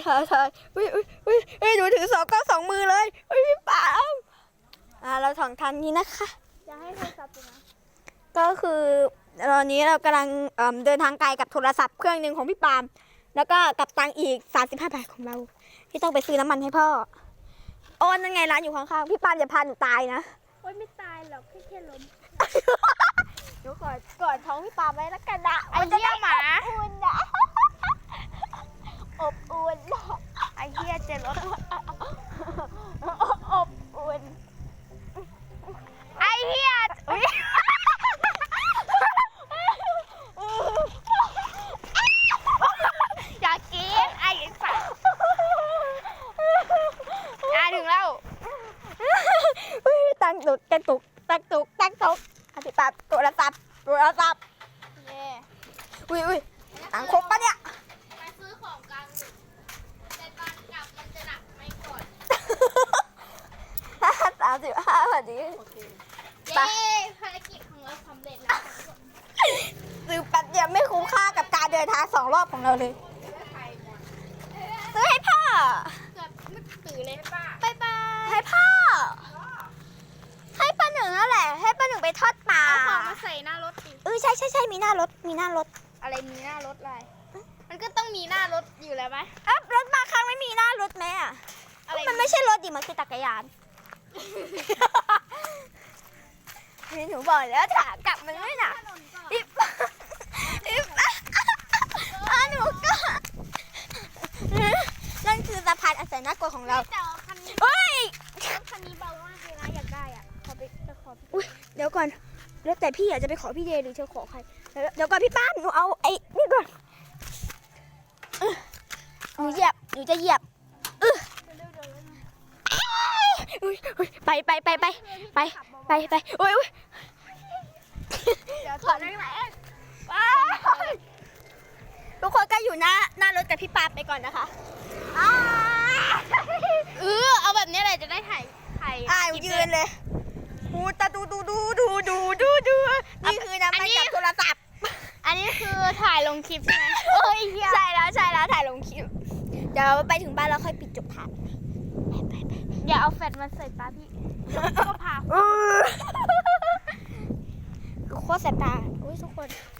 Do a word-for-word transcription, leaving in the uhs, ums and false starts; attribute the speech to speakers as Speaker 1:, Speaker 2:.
Speaker 1: ถ่ายถ่ายอุ้ยอุ้ยอุ้ยอุ้ยหนูถือสองกล้องสองมือเลยอุ้ยพี่ปามอ่าเราสองทางนี้นะคะ
Speaker 2: จะให้โทรศัพท์นะ
Speaker 1: ก็คือตอนนี้เรากำลังเอ่อเดินทางไกลกับโทรศัพท์เครื่องหนึ่งของพี่ปามแล้วก็กับตังค์อีกสามสิบห้าบาทของเราที่ต้องไปซื้อน้ำมันให้พ่อโอ้นั่นไงร้านอยู่ข้างๆพี่ปามอย่าพาหนูตายนะ
Speaker 2: โอ๊ยไม่ตายหรอกแค่แค่ล้ม
Speaker 1: หนูกอดกอดท้องพี่ปามไว้แล้วกันนะ
Speaker 2: ไอ้เหี้ยหมา
Speaker 1: อุ่นนะอบอุ่น
Speaker 2: ไอ้เหี้ยเจ็บรถ
Speaker 1: อบอุ่น
Speaker 2: ไอ้เหี้ยอยากกินไอ้สัสอ่ะถึงแล้ว
Speaker 1: ตั้งตุกตั้งตุกตั้งตุกตั้งตุกอธิบายโทรศัพท์โทรศัพท์
Speaker 2: เย่
Speaker 1: อุ้ยอุ้ยตังครบปะเนี่ย
Speaker 2: ไปซื้อของกลางแต่ตอนกลับมันจะหนักไม่ก่อน
Speaker 1: สามสิบห้าพอดี
Speaker 2: เย้ภารกิจของเราสำเร็จแล้ว
Speaker 1: ซื้อแป๊บเดียวไม่คุ้มค่ากับการเดินทางสองรอบของเราเลยซื้อให้พ่อ
Speaker 2: เกือบไม่ตื่นเลยป้า
Speaker 1: ไปไปให้พ่อให้ป้าหนึ่งนั่นแหละให้ป้าหนึ่งไปทอดปลา
Speaker 2: เอาของมาใส่หน้ารถดิ
Speaker 1: เออใช่ใช่ใช่มีหน้ารถมีหน้ารถ
Speaker 2: อะไรมีหน้ารถอะไรมันก็ต้องมีหน้ารถอยู่แล้วไหม
Speaker 1: อ่ะรถมาครั้งไม่มีหน้ารถไหมอ่ะมันไม่ใช่รถดิมันคือจักรยานนี่หนูบอกแล้วถากลับมันไม่หนักอิบอิบอ่ะหนูก็นั่นคือสะพานอันแสนน่ากลัวของเราเฮ้ย
Speaker 2: คันนี้เบามากเลยนะอยากได้อ่ะขอไปจะขอ
Speaker 1: อุ้ยเดี๋ยวก่อนแล้วแต่พี่อยากจะไปขอพี่เดย์หรือจะขอใครเดี๋ยวก่อนพี่ป้าหนูเอาไอ้นี่ก่อนหนูเหยียบหนูจะเหยียบไปไปไปไปไปไปไปอุ้ยอุ้ย
Speaker 2: เดี๋ยวถอดได้ไหม
Speaker 1: ทุกคนก็อยู่หน้าหน้ารถกับพี่ปาไปก่อนนะคะ
Speaker 2: เออเอาแบบนี้เลยจะได้ถ่ายถ่าย
Speaker 1: อ่ายืนเลยดูตาดูดูดูดูดูดูดูนี่คือน้ำมันกับโทรศัพท์
Speaker 2: อันนี้คือถ่ายลงคลิปใช่ไหม
Speaker 1: เอ้ยใช่แล้วใช่แล้วถ่ายลงคลิปเดี๋ยวไปถึงบ้านแล้วค่อยปิดจบถ่ายไปไป
Speaker 2: อย่าเอาแฟลชมาใส่ตาพี่ก็พา
Speaker 1: โคตรแสบตาอุ้ยทุกคน